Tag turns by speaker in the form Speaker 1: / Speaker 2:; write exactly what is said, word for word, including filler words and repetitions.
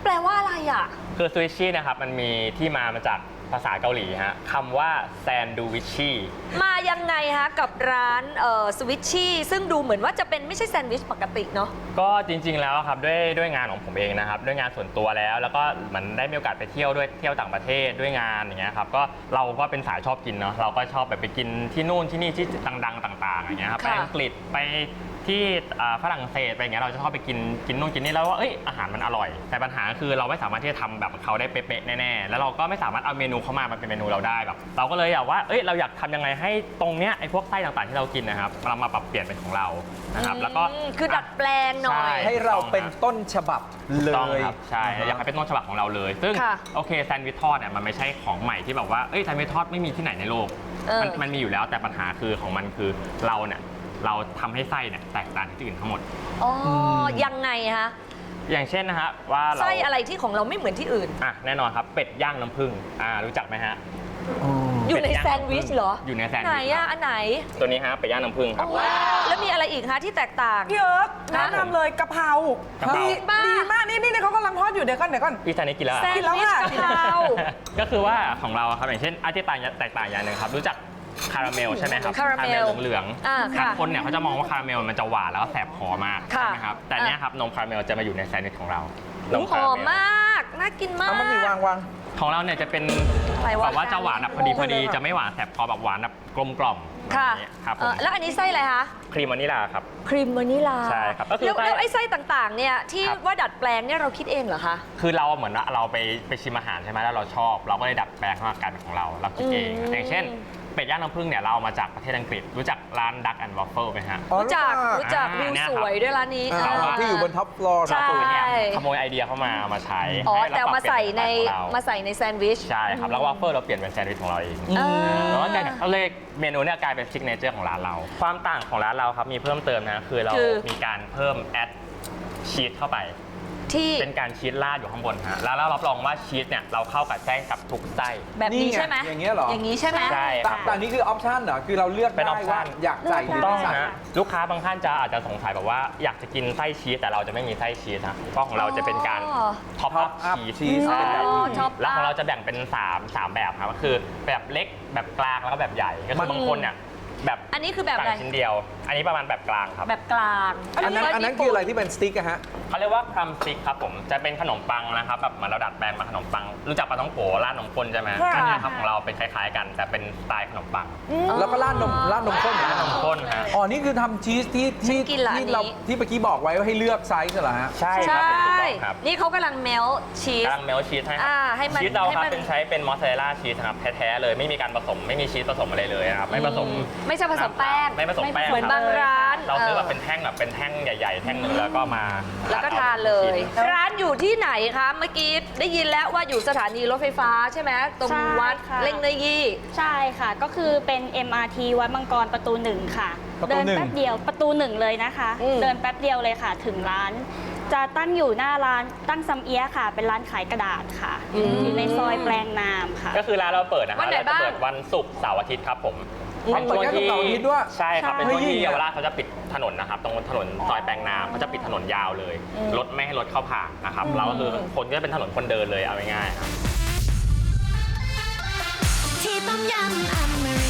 Speaker 1: แปลว่าอะไรอ่ะ
Speaker 2: คือซูชินะครับมันมีที่มามาจากภาษาเกาหลีฮะคำว่าแซนดูวิชชี่
Speaker 1: มายังไงฮะกับร้านเอ่อสวิชชี่ซึ่งดูเหมือนว่าจะเป็นไม่ใช่แซนด์วิชปกติเนาะ
Speaker 2: ก็จริงๆแล้วครับด้วยด้วยงานของผมเองนะครับด้วยงานส่วนตัวแล้วแล้วก็เหมือนได้มีโอกาสไปเที่ยวด้วยเที่ยวต่างประเทศด้วยงานอย่างเงี้ยครับก็เราก็เป็นสายชอบกินเนาะเราก็ชอบแบบไปกินที่นู่นที่นี่ที่ดังๆต่างๆอย่างเงี้ยครับไปอังกฤษไปที่ฝรั่งเศสไปอย่างเงี้ยเราจะชอบไปกินกินนู่นกินนี่แล้วว่าเอ้ยอาหารมันอร่อยแต่ปัญหาคือเราไม่สามารถที่จะทำแบบเขาได้เป๊ะๆแน่ๆแล้วเราก็ไม่สามารถเอาเมนูเข้ามามันเป็นเมนูเราได้แบบเราก็เลยอยากว่าเอ้ยเราอยากทำยังไงให้ตรงเนี้ยไอ้พวกไส้ต่างๆที่เรากินนะครับเรามาปรับเปลี่ยนเป็นของเรานะครับแล้วก็
Speaker 1: คือดัดแปลงหน่อย
Speaker 3: ให้เราเป็นต้นฉบับเลย
Speaker 2: ครับใช่อยากให้เป็นต้นฉบับของเราเลยซึ่งโอเคแซนด์วิชทอดเนี่ยมันไม่ใช่ของใหม่ที่แบบว่าเอ้ยแซนด์วิชทอดไม่มีที่ไหนในโลกมันมันมีอยู่แล้วแต่ปัญหาคือของมันคือเราเนี่ยเราทำให้ไส้เนี่ยแตกต่างจากที่อื่นทั้งหมด
Speaker 1: อ๋อยังไงฮะ
Speaker 2: อย่างเช่นนะฮะว่า
Speaker 1: ไส้อะไรที่ของเราไม่เหมือนที่อื่น
Speaker 2: อ่ะแน่นอนครับเป็ดย่างน้ำผึ้งอ่ารู้จักไหมฮะ
Speaker 1: อยู่ในแซนด์วิชเหรอ
Speaker 2: อยู่ในแซนด์วิช
Speaker 1: ไหนอ่ะอันไหน
Speaker 2: ตัวนี้ฮะเป็ดย่างน้ำผึ้งครับ
Speaker 1: แล้วมีอะไรอีกฮะที่แตกต่าง
Speaker 4: พี่เอิร์กแนะนำเลยกะเพราดีดีมากนี่นี่เขากำลังทอดอยู่เดี๋ยวก่อนเดี๋ยวก่อน
Speaker 2: พี่ชายนี่กินแล้ว
Speaker 1: แซนด์วิชกะเพรา
Speaker 2: ก็คือว่าของเราครับอย่างเช่นอาที่ต่างแตกต่างอย่างหนึ่งครับรู้จักคาราเมลใช่ไหมครับ
Speaker 1: คาราเมล
Speaker 2: เหลืองๆบางคนเนี่ยเขาจะมองว่าคาราเมลมันจะหวานแล้วก็แสบคอมากใช่ไหมครับแต่เนี้ยครับนมคาราเมลจะมาอยู่ในแซนด์วิชของเรา
Speaker 1: หอมมากน่ากินมาก
Speaker 3: มันมีวางวาง
Speaker 2: ของเราเนี่ยจะเป็นแบบว่าจะหวานแบบพอดีพอดีจะไม่หวานแสบคอแบบหวานแบบกลมกล่อม
Speaker 1: ค่ะ
Speaker 2: ครับ
Speaker 1: แล้วอันนี้ไส้อะไรคะ
Speaker 2: ครีมวานิลาครับ
Speaker 1: ครีมวานิลา
Speaker 2: ใช่ครับ
Speaker 1: แล้วไอ้ไส้ต่างๆเนี่ยที่ว่าดัดแปลงเนี่ยเราคิดเองเหรอคะ
Speaker 2: คือเราเหมือนว่าเราไปไปชิมอาหารใช่ไหมแล้วเราชอบเราก็เลยดัดแปลงให้มันกลายเป็นของเราเราคิดเองอย่างเช่นเป็ดย่างน้ำผึ้งเนี่ยเราเอามาจากประเทศอังกฤษรู้จักร้าน Duck and Waffle ไหมฮะ
Speaker 1: รู้จักรู้จักวิวสวยด้วยร้านนี้
Speaker 3: ที่อยู่บนท็อปฟลอร์
Speaker 1: ใช่
Speaker 2: ขโมยไอเดียเข้ามามาใช้
Speaker 1: อ๋อแต่มาใส่ในมาใส่ในแซนด์วิช
Speaker 2: ใช่ครับแล้ววาฟเฟิลเราเปลี่ยนเป็นแซนด์วิชของเราเองแล้วก็ก็เลยเมนูเนี่ยกลายเป็นซิกเนเจอร์ของร้านเราความต่างของร้านเราครับมีเพิ่มเติมนะคือเรามีการเพิ่มแอดชีสเข้าไป
Speaker 1: ที่
Speaker 2: เป็นการชีสราดอยู่ข้างบนฮะแล้วเรารับรองว่าชีสเนี่ยเราเข้ากับแจ้งกับทุกไส้
Speaker 1: แบบนี้ใช่ไหม
Speaker 3: อย่างเงี้ยหรอ
Speaker 1: อย่างนี้ใช่ไหม
Speaker 2: ใช่
Speaker 3: แต่นี้คือออปชั่นเหรอคือเราเลือก
Speaker 2: เป็นออปชั่น
Speaker 3: อยากใส่
Speaker 2: ถูกต้องฮะลูกค้าบางท่านจะอาจจะสงสัยแบบว่าอยากจะกินไส้ชีสแต่เราจะไม่มีไส้ชีสนะเพราะของเราจะเป็นการท็อปอัพชีสแล้วของเราจะแบ่งเป็น3 3แบบครับก็คือแบบเล็กแบบกลางแล้วก็แบบใหญ่ก็คือบางคนเนี่ยแบบ
Speaker 1: อันนี้คือแบบอะไร
Speaker 2: ชิ้นเดียวอันนี้ประมาณแบบกลางครับ
Speaker 1: แบบกลาง
Speaker 3: อันนั้นอันนั้นคืออะไรที่เป็นสติ๊กอะฮะ
Speaker 2: เขาเรียกว่าครัมสติ๊กครับผมจะเป็นขนมปังนะครับแบบเหมือนเราดัดแปลงมาขนมปังรู้จักปลาท่องโกราดนมข้นใช่ไหมอันนี้ครับของเราเป็นคล้ายๆกันแต่เป็นสไตล์ขนมปัง
Speaker 3: แล้วก็ราดนมราดนมข้น
Speaker 2: ราดนมข้นฮะ
Speaker 3: อ๋อนี่คือทำชีสที่ที่ที่เราที่เมื่อกี้บอกไว้ว่าให้เลือกไซส์เหรอฮะ
Speaker 2: ใช่ครับ
Speaker 1: นี่เขากำลังเมลชีส
Speaker 2: กำลังเมลชีสให้ชีสเราครับเป็นใช้เป็นมอสซาเรลล่าชีสครับแท้ๆเลยไม่มีการผสมไม่มีชีสผสมอะไรเลยครับไม่ผสม
Speaker 1: ไม่ใช่ผสมแป้ง
Speaker 2: ไม่ผสมแป้ง
Speaker 1: เหมือนบางร้าน
Speaker 2: เราซื้อแบบเป็นแท่งแบบเป็นแท่งใหญ่ๆแท่งนึงแล้วก็มา
Speaker 1: แล้วก็ทานเลยร้านอยู่ที่ไหนคะเมื่อกี้ได้ยินแล้วว่าอยู่สถานีรถไฟฟ้าใช่ไหมตรงวัดเล่งเนยี่
Speaker 5: ใช่ค่ะก็คือเป็น เอ็ม อาร์ ที วัดมังกรประตูหนึ่งค่ะเดินแป๊บเดียวประตูหนึ่งเลยนะคะเดินแป๊บเดียวเลยค่ะถึงร้านจะตั้งอยู่หน้าร้านตั้งซัมเอียค่ะ เป็นร้านขายกระดาษค่ะอยู่ในซอยแปลงนามค่ะ
Speaker 2: ก็คือร้านเราเปิดนะคะเราจะเปิดวันศุกร์เสาร์อาทิตย์ครับผม
Speaker 3: เป็นช่วงที่
Speaker 2: ใช่ครับเป็นช่วงที่เยาวราชเขาจะปิดถนนนะครับตรงถนนซอยแปลงนามเขาจะปิดถนนยาวเลยรถไม่ให้รถเข้าผ่านนะครับเราก็คือคนก็เป็นถนนคนเดินเลยเอาง่ายๆครับที่ต้มยำอเมริ